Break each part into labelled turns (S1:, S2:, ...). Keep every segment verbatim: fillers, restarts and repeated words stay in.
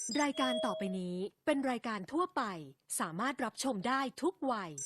S1: รายการต่อไปนี้เป็นรายการทั่วไปสามารถรับชมได้ทุกวัย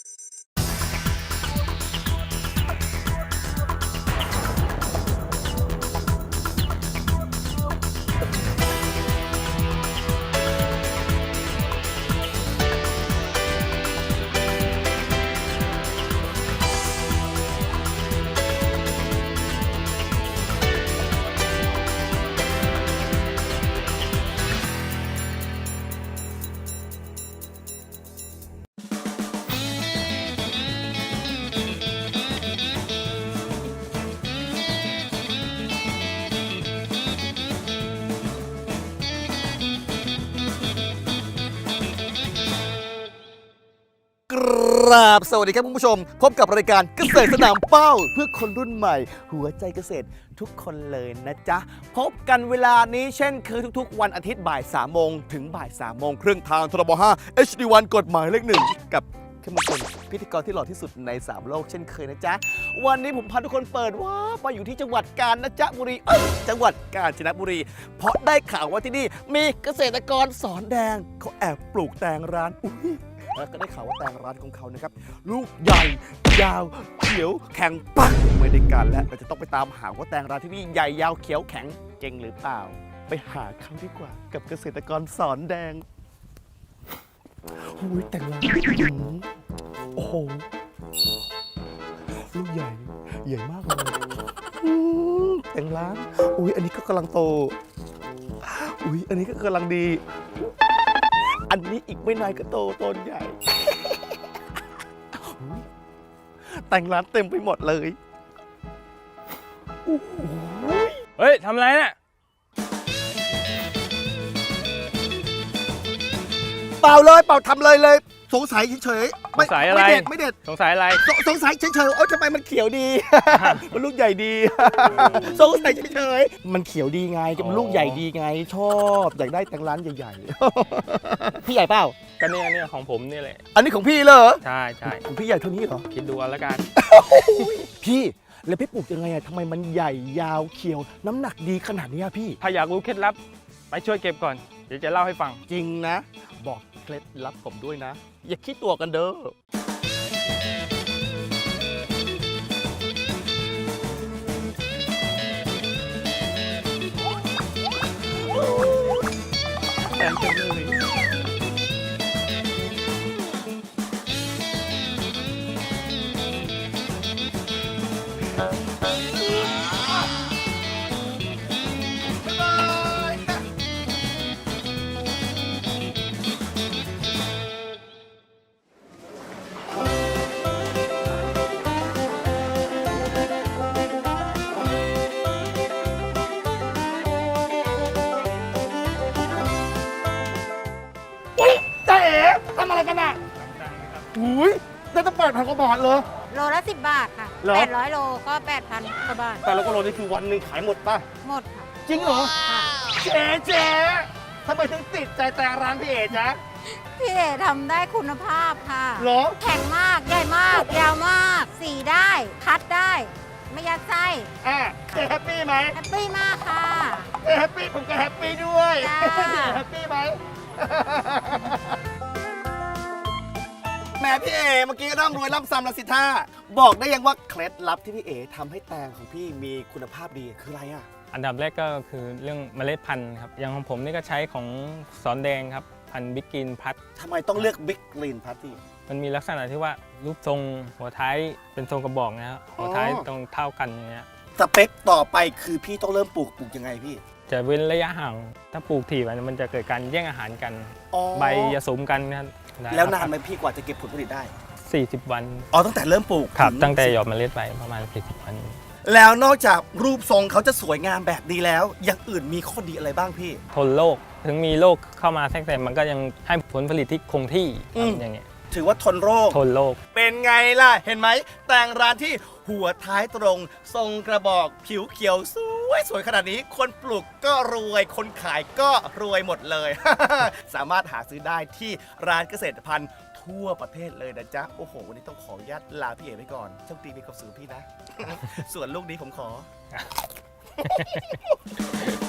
S2: ครับสวัสดีครับคุณผู้ชมพบกับรายการเกษตรสนามเป้าเพื่อคนรุ่นใหม่หัวใจเกษตรทุกคนเลยนะจ๊ะพบกันเวลานี้เช่นเคยทุกๆวันอาทิตย์บ่ายสามโมงถึงบ่ายสามโมงครึ่งทางทรบห้า เอช ดี วัน กฎหมายเลขหนึ่งกับเข้มข้นพิธีกรที่หล่อที่สุดในสามโลกเช่นเคยนะจ๊ะวันนี้ผมพาทุกคนเปิดว่าไปอยู่ที่จังหวัดกาญจนบุรีเอ้ยจังหวัดกาญจนบุรีเพราะได้ข่าวว่าที่นี่มีเกษตรกรสอนแดงเขาแอบปลูกแตงร้านอุ้ยแล้วก็ได้ข่าวว่าแตงร้านของเขานะครับลูกใหญ่ยาวเขียวแข็งปักไม่ได้การแล้วเราจะต้องไปตามหาว่าแตงร้านที่นี่ใหญ่ยาวเขียวแข็งเจริงหรือเปล่าไปหาเขาดีกว่ากับเกษตรกรสอนแดงโอ้ยแตงร้านโอ้โหลูกใหญ่ใหญ่มากเลยอืมแตงร้านอุ้ยอันนี้ก็กำลังโตอุ้ยอันนี้ก็กำลังดีอันนี้อีกไม่นานก็โตต้นใหญ่ แต่งร้านเต็มไปหมดเลย
S3: เฮ้ยทำอะไรเนี่ย
S2: เปล่าเลยเปล่าทำเลยเลยสงสัยเฉยๆ
S3: สงสัยอะไร
S2: ไม่เด็ดไม่เด็ด
S3: สงสัยอะไร
S2: สสงสัยเฉยๆเอ้าทำไมมันเขียวดี มันลูกใหญ่ดี สงสัยเฉยๆมันเขียวดีไงมันลูกใหญ่ดีไง ชอบอยากได้แต่งร้านใหญ่ๆ พี่ใหญ่เปล่า
S3: ก็เนี่ยเนี่ยของผมนี่แหละ
S2: อันนี้ของพี่เหรอ
S3: ใช่ใช่
S2: ของพี่ใหญ่เท่านี้เหรอ
S3: คิดดูเอาละกัน
S2: พี่แล้วพี่ปลูกยังไงอะทำไมมันใหญ่ยาวเขียวน้ำหนักดีขนาดนี้อะพี่
S3: ถ้าอยากรู้เคล็ดลับไปช่วยเก็บก่อนเดี๋ยวจะเล่าให้ฟัง
S2: จริงนะ บอกเคล็ดลับผมด้วยนะ อย่าคิดตัวกันเด้อแอนจังเลยจ้าเอ๋ทำอะไรกันอ่ะอุ้ยได้ตั้งแปดพันกว่าบาทเลย
S4: โลละสิบบาทค่ะ
S2: เหรอ
S4: แปดร้อยโลก็แปดพันกว่าบาท
S2: แต่ละกิโลนี่คือวันหนึ่งขายหมดป่ะ
S4: หมดค่ะ
S2: จริงเหรอ
S4: ค่ะ
S2: เจ๊เจ๊ทำไมถึงติดใจแต่ร้านพี่เอ๋จ๊ะ
S4: พี่เอ๋ทำได้คุณภาพค่ะ
S2: เหรอ
S4: แข็งมาก ใหญ่มาก ยาวมาก สีได้ คัดได้ ไม่ยัดไส้
S2: อ่ะเจ๊แฮปปี้ไหม
S4: แฮปปี้มากค่ะ
S2: เจ๊แฮปปี้ผมก็แฮปปี้ด้วย
S4: จ้า
S2: เจ๊แฮปปี้ไหม แหม่พี่เอ๋เมื่อกี้ร่ำรวยร่ำซ้ำละสิท่าบอกได้ยังว่าเคล็ดลับที่พี่เอ๋ทำให้แตงของพี่มีคุณภาพดีคืออะไรอ่ะ
S3: อันดับแรกก็คือเรื่องเมล็ดพันธุ์ครับอย่างของผมนี่ก็ใช้ของสอนแดงครับพันธุ์บิ๊กกินพัด
S2: ทำไมต้องเลือกบิ๊กกรีนพัทตี้
S3: มันมีลักษณะที่ว่ารูปทรงหัวท้ายเป็นทรงกระบอกนะครับหัวท้าย
S2: อ๋อ
S3: ตรงเท่ากันอย่างเงี้ย
S2: สเปคต่อไปคือพี่ต้องเริ่มปลูกปลูกยังไงพี่
S3: จะเว้นระยะห่างถ้าปลูกถี่ไปมันจะเกิดการแย่งอาหารกัน
S2: อ๋อ
S3: ใบจะสมกันนะครับ
S2: แล้วนานไหมพี่กว่าจะเก็บผลผลิตได้
S3: สี่สิบวัน
S2: อ๋อตั้งแต่เริ่มปลูก
S3: ครับ
S2: ถึ
S3: ตั้งแต่หยอดเมล็ดไปประมาณสี่สิบวัน
S2: แล้วนอกจากรูปทรงเขาจะสวยงามแบบนี้แล้วอย่างอื่นมีข้อดีอะไรบ้างพี่
S3: ทนโรคถึงมีโรคเข้ามาแทรกแซงมันก็ยังให้ผลผลิตที่คงที่
S2: อืม
S3: อย่างเงี้ย
S2: ถือว่าทนโรค
S3: ทนโรค
S2: เป็นไงล่ะ เห็นไหมแต่งร้านที่หัวท้ายตรง ทรงกระบอกผิวเขียวสวยสวยขนาดนี้ คนปลูกก็รวย คนขายก็รวยหมดเลย สามารถหาซื้อได้ที่ร้านเกษตรพันธุ์ทั่วประเทศเลยนะจ๊ะ โอ้โห วันนี้ต้องขออนุญาตลาพี่เอ๋ไปก่อนโชคดีมีความสุขพี่นะ ส่วนลูกนี้ผมขอ